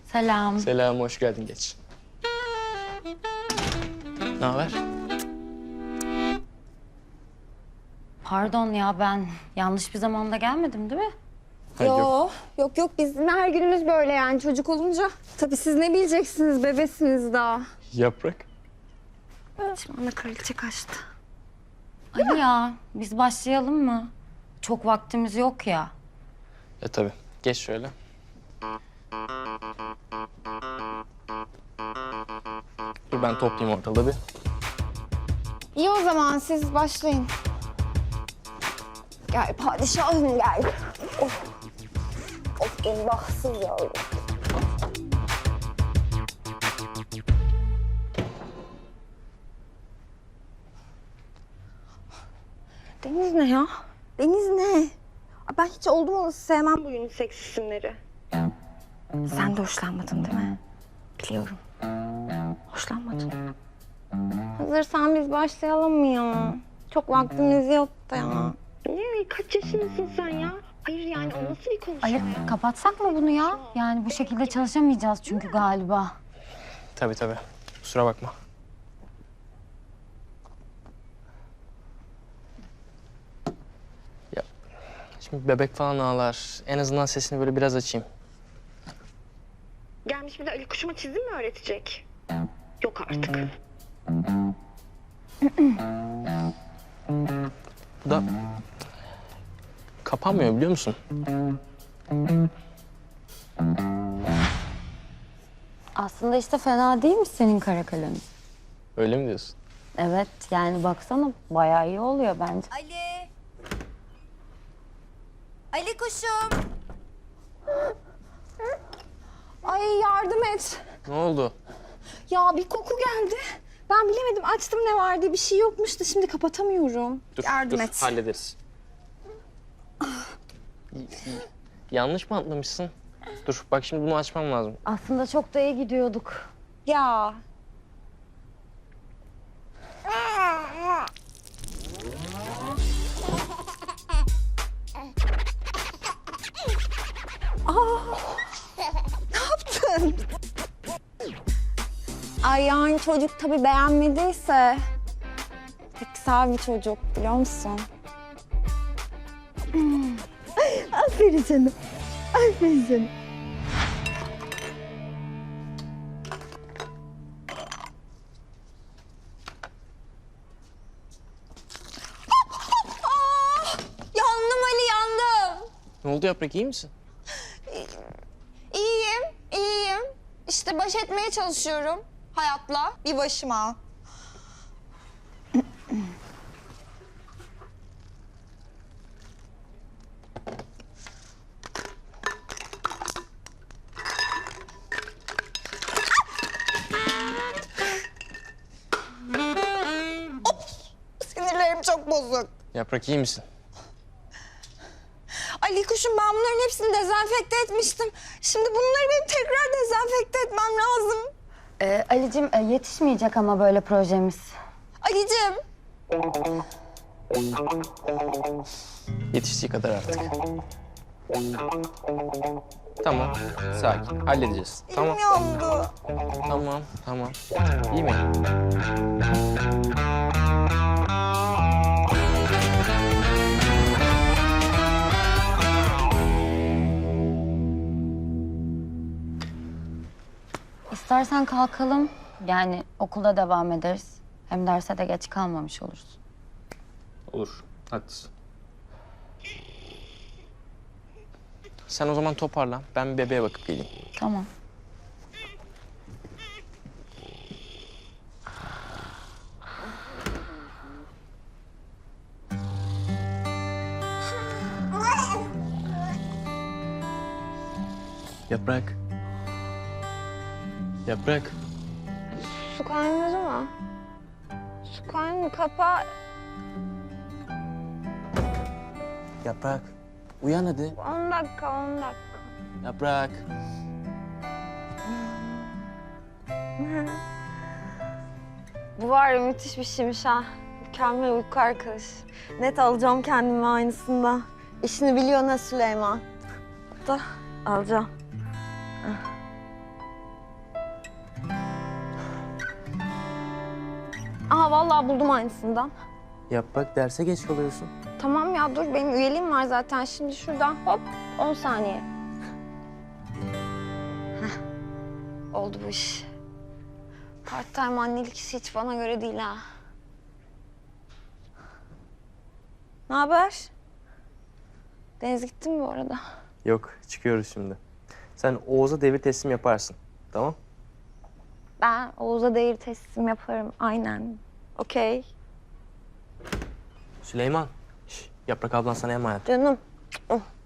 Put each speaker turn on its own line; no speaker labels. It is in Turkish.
Selam.
Selam, hoş geldin. Geç. Ne haber?
Pardon ya, ben yanlış bir zamanda gelmedim değil mi?
Yok bizim her günümüz böyle yani çocuk olunca. Tabii siz ne bileceksiniz, bebesiniz daha.
Yaprak.
Şimdi ana kraliçe kaçtı.
Ali ya, biz başlayalım mı? Çok vaktimiz yok ya.
Tabii. Geç şöyle. Dur ben toplayayım ortalığı bir.
İyi o zaman siz başlayın. Gel padişahım gel. Of benim bahtsız yavrum. Deniz ne ya? Deniz ne? Ben hiç oldum olası sevmem bu unisex isimleri. Sen de hoşlanmadın değil mi? Biliyorum. Hoşlanmadın. Hazırsan biz başlayalım mı ya? Çok vaktimiz yok da ya. Ne? Kaç yaşındasın sen ya? Hayır yani o nasıl bir konuşma?
Ali, kapatsak mı bunu ya? Yani bu şekilde çalışamayacağız çünkü galiba.
Tabii. Kusura bakma. Ya şimdi bebek falan ağlar. En azından sesini böyle biraz açayım.
Gelmiş bir de Ali Kuşuma çizim mi öğretecek? Yok artık.
Bu da kapanmıyor biliyor musun?
Aslında işte fena değil mi senin kara kalemin?
Öyle mi diyorsun?
Evet, yani baksana bayağı iyi oluyor bence.
Ali. Ali kuşum.
Ay yardım et.
Ne oldu?
Ya bir koku geldi. Ben bilemedim açtım ne var diye bir şey yokmuş da şimdi kapatamıyorum. Yardım et.
Hallederiz. Yanlış mı atlamışsın? Dur bak şimdi bunu açmam lazım.
Aslında çok da iyi gidiyorduk.
Ya. Ne yaptın? Ay yani çocuk tabii beğenmediyse güzel bir çocuk biliyor musun? Aferin canım. Aferin canım. Yandım Ali yandım.
Ne oldu Yaprak iyi misin?
İyiyim. İşte baş etmeye çalışıyorum hayatla bir başıma. Sinirlerim çok bozuk.
Yaprak iyi misin?
Ali kuşum ben bunların hepsini dezenfekte etmiştim. Şimdi bunları benim tekrar dezenfekte etmem lazım.
Ali'cim yetişmeyecek ama böyle projemiz.
Ali'cim.
Yetiştiği kadar artık. Tamam, sakin. Halledeceğiz. Tamam,
Elim yandı.
tamam. İyi mi?
İstersen kalkalım. Yani okulda devam ederiz. Hem derse de geç kalmamış oluruz.
Olur, haklısın. Sen o zaman toparlan. Ben bir bebeğe bakıp geleyim.
Tamam.
Yaprak. Yaprak.
Su kaynadı mı? Su kaynadı kapa.
Yaprak. Uyan hadi.
10 dakika.
Yaprak.
Bu var ya müthiş bir şeymiş ha. Mükemmel uyku arkadaşı. Net alacağım kendimi aynısında. İşini biliyor ne Süleyman. Da alacağım. ya vallahi buldum aynısından.
Yap bak, derse geç kalıyorsun.
Tamam ya dur benim üyeliğim var zaten. Şimdi şuradan hop 10 saniye. Heh. Oldu bu iş. Part-time annelik işi hiç bana göre değil ha. Ne haber? Deniz gitti mi bu arada?
Yok, çıkıyoruz şimdi. Sen Oğuz'a devir teslim yaparsın. Tamam?
Ben Oğuz'a devir teslim yaparım. Aynen. Okey.
Süleyman. Yaprak ablan sana emanet.
Canım.